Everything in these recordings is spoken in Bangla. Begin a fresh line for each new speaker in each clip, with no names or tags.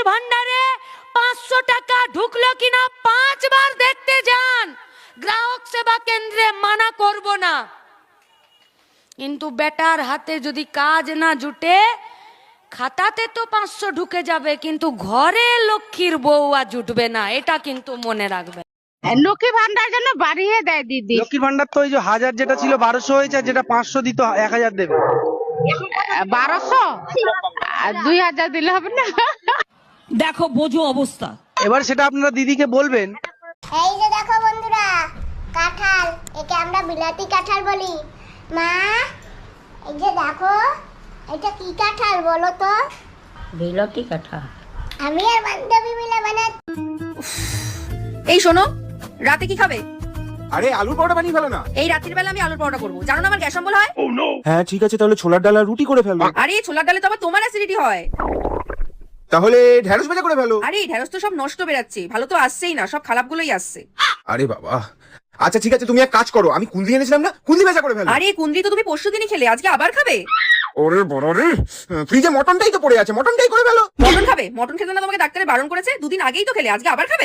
ভান্ডারে 500 টাকা ঢুকলো কিনা 5 বার দেখতে যান। গ্রাহক সেবা কেন্দ্রে মানা করব না, কিন্তু বেটার হাতে যদি কাজ না জুটে, খাতাতে তো 500 ঢুকে যাবে, কিন্তু ঘরে লক্ষ্মীর বউ আর জুটবে না, এটা কিন্তু মনে রাখবে।
লক্ষ্মী ভান্ডার যেন বাড়িয়ে দেয় দিদি।
লক্ষ্মী ভান্ডার তো ওই যে 1000 যেটা ছিল 1200 হয়েছে, আর যেটা 500 দিত 1000 দেবে।
1200 2000 দিলে হবে না?
দেখো বোঝো অবস্থা।
এবার সেটা আপনারা দিদিকে বলবেন।
এই যে দেখো বন্ধুরা, কাঁঠাল, একে আমরা বিলাতি কাঁঠাল বলি। মা, এই যে দেখো, এটা কি কাঁঠাল বলো তো?
বিলাতি কাঁঠাল।
আমি আর বান্ধবী মিলে বানাই।
এই শোনো, রাতে কি খাবে?
আরে আলুর পরোটা বানিয়ে ফেলো না।
এই রাত্রির বেলা আমি আলুর পরোটা করবো, জানো না আমার গ্যাস অম্বল হয়।
হ্যাঁ ঠিক আছে, তাহলে ছোলার ডাল আর রুটি করে ফেলো।
আরে ছোলার ডালে তো আবার তোমার অ্যাসিডিটি হয়।
তাহলে ঢেঁড়স ভাজা করে ফেলো।
আরে ঢেঁড়স তো সব নষ্ট বেরাচ্ছে, ভালো তো আসছেই না, সব খারাপগুলোই আসছে।
আরে বাবা, আচ্ছা ঠিক আছে, তুমি এক কাজ করো, আমি কুন্দি এনেছিলাম না, কুন্দি ভাজা করে ফেলো।
আরে কুন্দ্রি তো তুমি পরশুদিনই খেলে, আজকে আবার খাবে?
ওরে বড় রে, ফ্রিজে মটনটাই তো পড়ে আছে, মটনটাই করে ফেলো।
মটন খাবে? মটন খেতে না তোমাকে ডাক্তারে বারণ করেছে, দুদিন আগেই তো খেলে, আজকে আবার খাবে?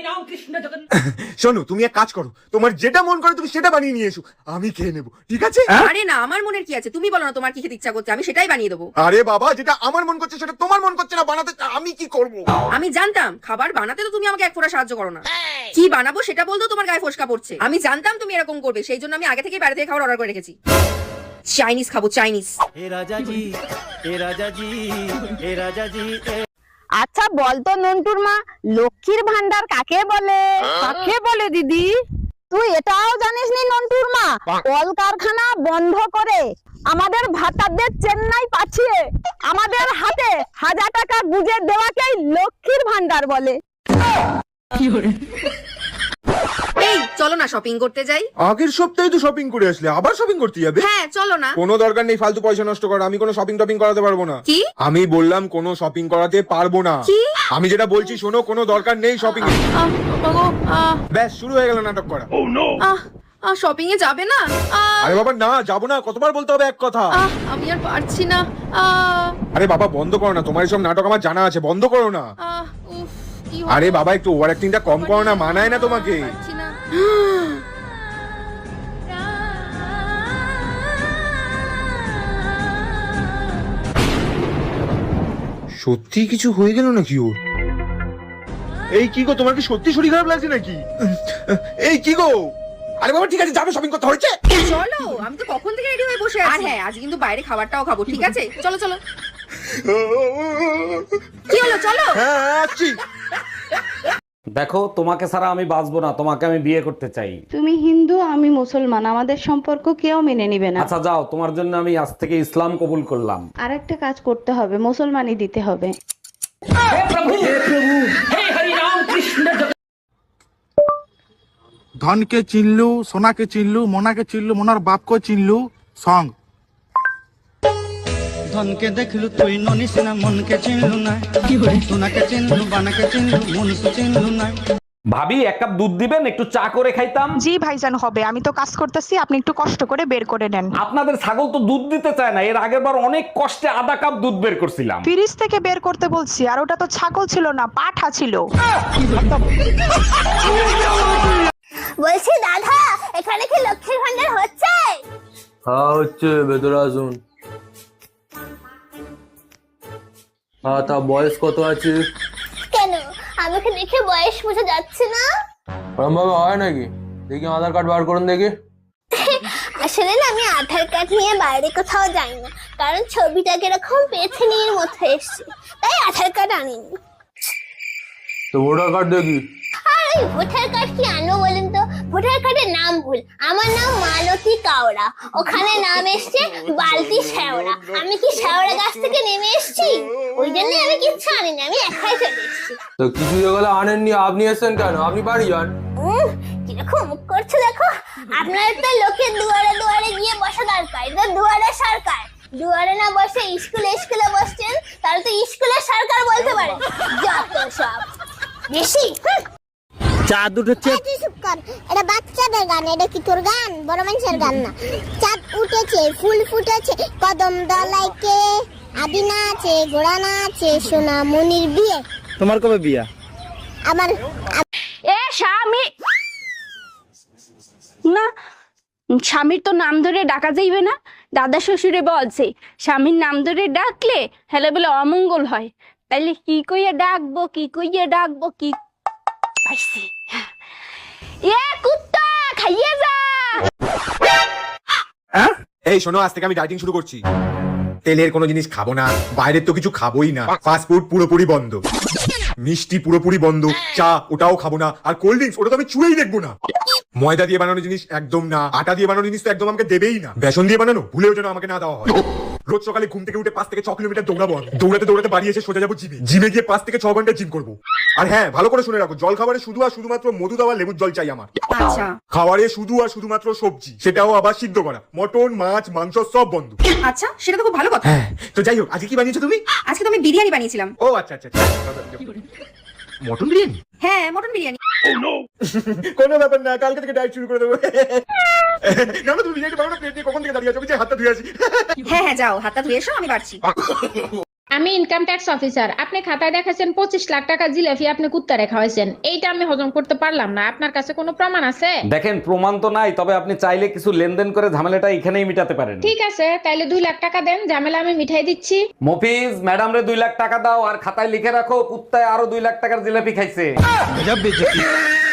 শোনো, তুমি এক কাজ করো, তোমার যেটা মন করে তুমি সেটা বানিয়ে নিয়ে এসো, আমি খেয়ে নেবো, ঠিক আছে?
আরে না, আমার মনের কি আছে, তুমি বলো না তোমার কি খেতে ইচ্ছা করছে, আমি সেটাই বানিয়ে দেবো।
আরে বাবা, যেটা আমার মন করছে সেটা তোমার মন করছে না বানাতে, আমি কি করব?
আমি জানতাম খাবার বানাতে তো তুমি আমাকে এক ফোঁটা সাহায্য করো না। কি বানাবো সেটা বলতো তোমার গায়ে ফোসকা পড়ছে। আমি জানতাম তুমি এরকম করবে, সেই জন্য আমি আগে থেকে বাইরে থেকে খাবার অর্ডার করে রেখেছি। চাইনিজ খাবো, চাইনিজ।
আচ্ছা বলতো নন্টুর মা, লক্ষ্মীর ভান্ডার কাকে বলে? কাকে বলে দিদি? তুই এটাও জানিস নি নন্টুর মা? কলকারখানা বন্ধ করে আমাদের ভাতাদের চেন্নাই পাঠিয়ে আমাদের হাতে 1000 টাকা গুজে দেওয়াকেই লক্ষ্মীর ভান্ডার বলে।
এই চলো না শপিং করতে যাই।
আগের সপ্তাহে তো শপিং করে আসলে, আবার শপিং করতে যাবে?
হ্যাঁ চলো না।
কোনো দরকার নেই ফালতু পয়সা নষ্ট করা, আমি কোনো শপিং টপিং করাতে পারবো না।
কি?
আমি বললাম কোনো শপিং করাতে পারবো না।
কি?
আমি যেটা বলছি শোনো, কোনো দরকার নেই শপিং এর। ব্যাস শুরু হয়ে গেল নাটক করা।
শপিং এ যাবে না?
আরে বাবা না, যাবো না, কতবার বলতে হবে এক কথা?
আমি আর পারছি না।
আরে বাবা বন্ধ করো না, তোমার এসব নাটক আমার জানা আছে, বন্ধ করো না।
উফ, কি
আরে বাবা একটু ওভার অ্যাক্টিংটা কম করো না, মানায় না তোমাকে।
পারছি না।
সত্যি কিছু হয়ে গেল নাকি ওর? এই কি গো, তোমার কি সত্যি শরীর খারাপ লাগছে নাকি? এই কি গো? আরে বাবা ঠিক আছে, যাবে শপিং করতে হচ্ছে।
চলো, আমি তো কখন থেকে রেডি হয়ে বসে আছি। আর হ্যাঁ, আজ কিন্তু বাইরে খাবারটাও খাবো, ঠিক আছে? চলো চলো। কি হলো, চলো।
হ্যাঁ আসছি।
দেখো, তোমাকে ছাড়া আমি বাঁচবো না, তোমাকে আমি বিয়ে করতে চাই।
তুমি হিন্দু, আমি মুসলমান, আমাদের সম্পর্ক কেউ মেনে নিবে না।
আচ্ছা যাও, তোমার জন্য আমি আজ থেকে ইসলাম কবুল করলাম।
আর একটা কাজ করতে হবে, মুসলমানই দিতে হবে।
ধনকে চিনলু, সোনাকে চিনলু, মোনাকে চিনলু, মোনার বাপকে চিনলু, সং।
ধনকে দেখলু তুই ননিস না, মনকে চিনলু না, সোনাকে চিনলু, বানাকে চিনলু, মনুষ চিনলু না।
ভাবি, এক কাপ দুধ দিবেন, একটু চা করে খাইতাম।
জি ভাইজান হবে, আমি তো কাজ করতেছি, আপনি একটু কষ্ট করে বের করে নেন।
আপনাদের ছাগল তো দুধ দিতে চায় না, এর আগের বার অনেক কষ্টে আধা কাপ দুধ বের করছিলাম।
ফ্রিজ থেকে বের করতে বলছি, আর ওটা তো ছাগল ছিল না, পাঠা ছিল।
বলছি দাদা, এখানে কি লক্ষ্মীর ভান্ডার হচ্ছে?
হ্যাঁ হচ্ছে, ভেতরে আসুন। হ্যাঁ, তা বয়স কত আছে?
কেন, আমাকে দেখে বয়স বোঝা যাচ্ছে না?
ওরম ভাবে হয় নাকি? দেখি আধার কার্ড বার করুন দেখি।
আসলে না, আমি আধার কার্ড নিয়ে বাইরে কোথাও যাই না, কারণ ছবিটা কিরকম পেছনের মতো এসছে, তাই আধার কার্ড আনিনি।
তো ভোটার কার্ড দেখি।
আর ওই ভোটার কার্ড কি আনবো বলেন তো? ভোটার কার্ডের নাম ভুল, আমার নাম মালতী কাওড়া, ওখানে নাম এসছে বালতি শেওড়া। আমি কি শেওড়া গাছ থেকে নেমে এসছি? ওই জন্য আমি কিচ্ছু আনিনি, আমি একাই চলে এসছি।
তো কিছু যেগুলো আনেননি, আপনি এসছেন কেন? আপনি বাড়ি যান।
কিরকম মুখ করছো দেখো। আপনার তো লোকের দুয়ারে দুয়ারে গিয়ে বসা দরকার, এটা দুয়ারে সরকার। দুয়ারে না বসে স্কুলে স্কুলে বসছেন, তাহলে তো স্কুলে সরকার বলতে পারে। যত সব বেশি।
চাঁদ উঠেছে।
চুপ কর, এটা বাচ্চাদের গান, এটা কি তোর গান? বড় মানুষের গান না। চাঁদ উঠেছে, ফুল ফুটেছে, কদম দলাইকে, আদি না আছে, গোড়া না আছে, সোনা মনির বিয়ে।
তোমার কবে বিয়া?
আমার
এ স্বামী না, স্বামীর তো নাম ধরে ডাকা যাইবে না। দাদা শ্বশুরে বলছে স্বামীর নাম ধরে ডাকলে হেলে বলে অমঙ্গল হয়। তাইলে কি কইয়া ডাকবো, কি কইয়া ডাকবো, কি পাইছি। এ কুত্তা খাইয়ে যা।
এই শোনো, আজ থেকে আমি ডাইটিং শুরু করছি। তেলের কোনো জিনিস খাবো না, বাইরের তো কিছু খাবোই না, ফাস্ট ফুড পুরোপুরি বন্ধ, মিষ্টি পুরোপুরি বন্ধ, চা ওটাও খাবো না, আর কোল্ড ড্রিঙ্কস ওটা তো আমি ছুঁয়েই দেখবো না। ময়দা দিয়ে বানানো জিনিস একদম না, আটা দিয়ে বানানো জিনিস তো একদম আমাকে দেবেই না, বেসন দিয়ে বানানো ভুলেও যেন আমাকে না দেওয়া হয়। রোজ সকালে ঘুম থেকে উঠে 5 থেকে 6 কিলোমিটার দৌড়াবো আমি। দৌড়াতে দৌড়াতে বাড়ি এসে সোজা যাবো জিমে। জিমে গিয়ে 5 থেকে 6 ঘন্টা জিম করবো। আর হ্যাঁ, ভালো করে শুনে রাখো, জল খাবারে শুধু আর শুধুমাত্র মধু দেওয়া লেবুর জল চাই আমার।
আচ্ছা
খাবারে শুধু আর শুধুমাত্র সবজি, সেটাও আবার সিদ্ধ করা। মটন, মাছ, মাংস সব বন্ধ।
আচ্ছা, সেটা তো খুব ভালো কথা।
হ্যাঁ, তো যাই হোক, আজকে কি বানিয়েছো তুমি?
আজকে তো আমি বিরিয়ানি বানিয়েছিলাম।
ও আচ্ছা আচ্ছা, মটন বিরিয়ানি?
হ্যাঁ, মটন বিরিয়ানি।
কোনো ব্যাপার না, কালকে থেকে ডায়েট শুরু করে দেবো। না না, তুমি বিরিয়ানি বানানো, প্লেট নিয়ে কখন থেকে দাঁড়িয়ে আছো? আমি যে হাতটা ধুয়ে আসি।
হ্যাঁ হ্যাঁ, যাও হাতটা ধুয়ে এসো, আমি বাড়ছি।
আমি ইনকাম ট্যাক্স অফিসার। আপনি খাতায় দেখাছেন 25 লাখ টাকা জিলাপি আপনি কুত্তা রেখা হয়েছেন। এইটা আমি হজম করতে পারলাম না। আপনার কাছে কোনো প্রমাণ আছে?
দেখেন, প্রমাণ তো নাই, তবে আপনি চাইলে কিছু লেনদেন করে ঝামেলাটা এখানেই মিটাতে পারেন।
ঠিক আছে, তাইলে 2 লাখ টাকা দেন, ঝামেলা আমি মিঠাই দিচ্ছি।
মফিজ, ম্যাডাম রে 2 লাখ টাকা দাও, আর খাতায় লিখে রাখো কুত্তায় আরো 2 লাখ টাকার জিলাপি খাইছে।